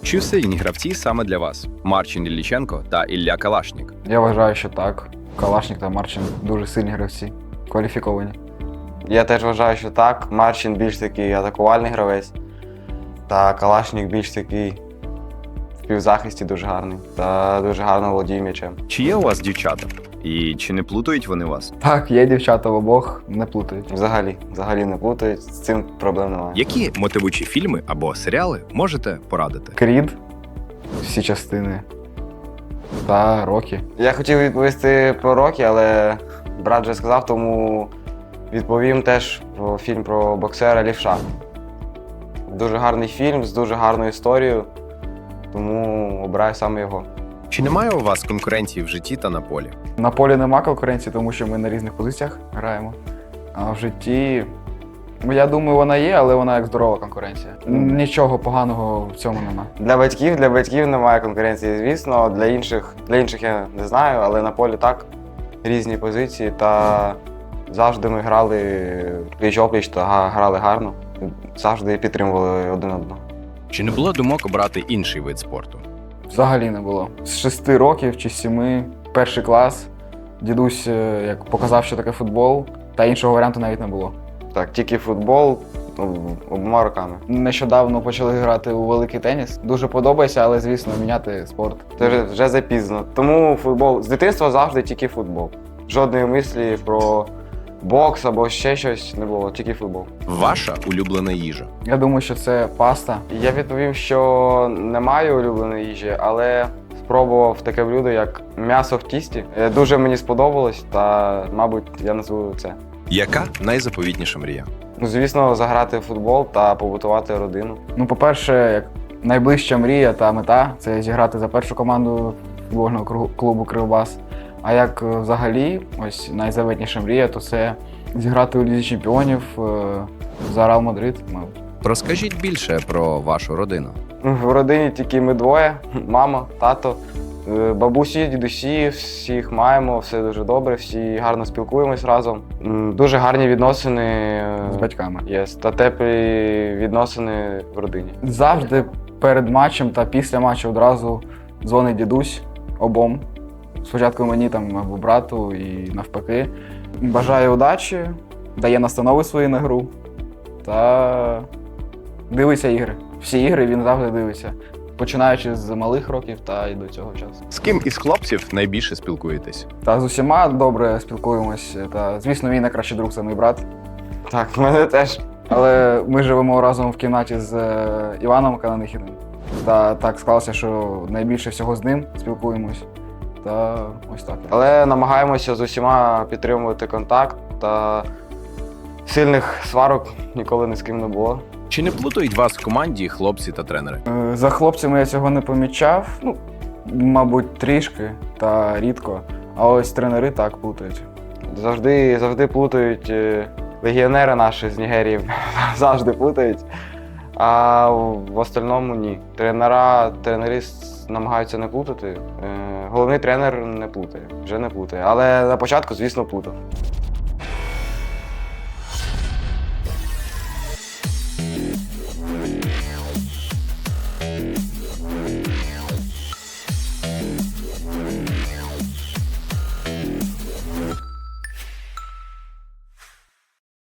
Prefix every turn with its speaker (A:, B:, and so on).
A: Чи сильні гравці саме для вас? Марчин Ілліченко та Ілля Калашнік.
B: Я вважаю, що так. Калашнік та Марчин дуже сильні гравці, кваліфіковані.
C: Я теж вважаю, що так. Марчин більш такий атакувальний гравець, та Калашнік більш такий в півзахисті дуже гарний та дуже гарно володіє м'ячем.
A: Чи є у вас дівчата? І чи не плутають вони вас?
B: Так, є дівчата в обох, не плутають.
C: Взагалі не плутають, з цим проблем немає.
A: Які мотивуючі фільми або серіали можете порадити?
B: Крід, всі частини та Рокі.
C: Я хотів відповісти про Рокі, але брат вже сказав, тому відповім теж про фільм про боксера Лівша. Дуже гарний фільм з дуже гарною історією, тому обираю саме його.
A: Чи немає у вас конкуренції в житті та на полі?
B: На полі нема конкуренції, тому що ми на різних позиціях граємо. А в житті, я думаю, вона є, але вона як здорова конкуренція. Нічого поганого в цьому нема.
C: Для батьків немає конкуренції, звісно. Для інших я не знаю, але на полі так, різні позиції. Та завжди ми грали пліч-опліч та грали гарно. Завжди підтримували один одного.
A: Чи не було думок обрати інший вид спорту?
B: Взагалі не було. З 6 років чи 7, перший клас, дідусь як показав, що таке футбол, та іншого варіанту навіть не було.
C: Так, тільки футбол обома руками.
B: Нещодавно почали грати у великий теніс. Дуже подобається, але, звісно, міняти спорт.
C: Це вже запізно. Тому футбол з дитинства завжди тільки футбол. Жодної мислі про бокс або ще щось не було, тільки футбол.
A: Ваша улюблена їжа?
B: Я думаю, що це паста.
C: Я відповім, що не маю улюбленої їжі, але спробував таке блюдо, як м'ясо в тісті. Дуже мені сподобалось, та, мабуть, я назву це.
A: Яка найзаповітніша мрія?
C: Ну, звісно, заграти в футбол та побутувати родину.
B: Ну, по-перше, як найближча мрія та мета – це зіграти за першу команду футбольного клубу «Кривбас». А як взагалі, ось найзаветніша мрія, то це зіграти у Лізі чемпіонів за Реал Мадрид, мабуть.
A: Розкажіть більше про вашу родину.
C: В родині тільки ми двоє: мама, тато, бабусі, дідусі, всіх маємо, все дуже добре, всі гарно спілкуємось разом. Дуже гарні відносини
B: З батьками.
C: та теплі відносини в родині.
B: Завжди перед матчем та після матчу одразу дзвонить дідусь обом. Спочатку мені там або брату і навпаки. Бажаю удачі, дає настанови свої на гру та дивиться ігри. Всі ігри він завжди дивиться, починаючи з малих років та й до цього часу.
A: З ким із хлопців найбільше спілкуєтесь?
B: Та з усіма добре спілкуємось. Та, звісно, мій найкращий друг це мій брат.
C: Так, в мене теж.
B: Але ми живемо разом в кімнаті з Іваном Кананихіним. Та так склалося, що найбільше всього з ним спілкуємось. Та ось так.
C: Але намагаємося з усіма підтримувати контакт, та сильних сварок ніколи ні з ким не було.
A: Чи не плутають вас в команді хлопці та тренери?
B: За хлопцями я цього не помічав. Ну, мабуть, трішки та рідко. А ось тренери так плутають.
C: Завжди плутають легіонери наші з Нігерії, завжди плутають. А в остальному ні. Тренери намагаються не плутати. Головний тренер не плутає, вже не плутає. Але на початку, звісно, плутав.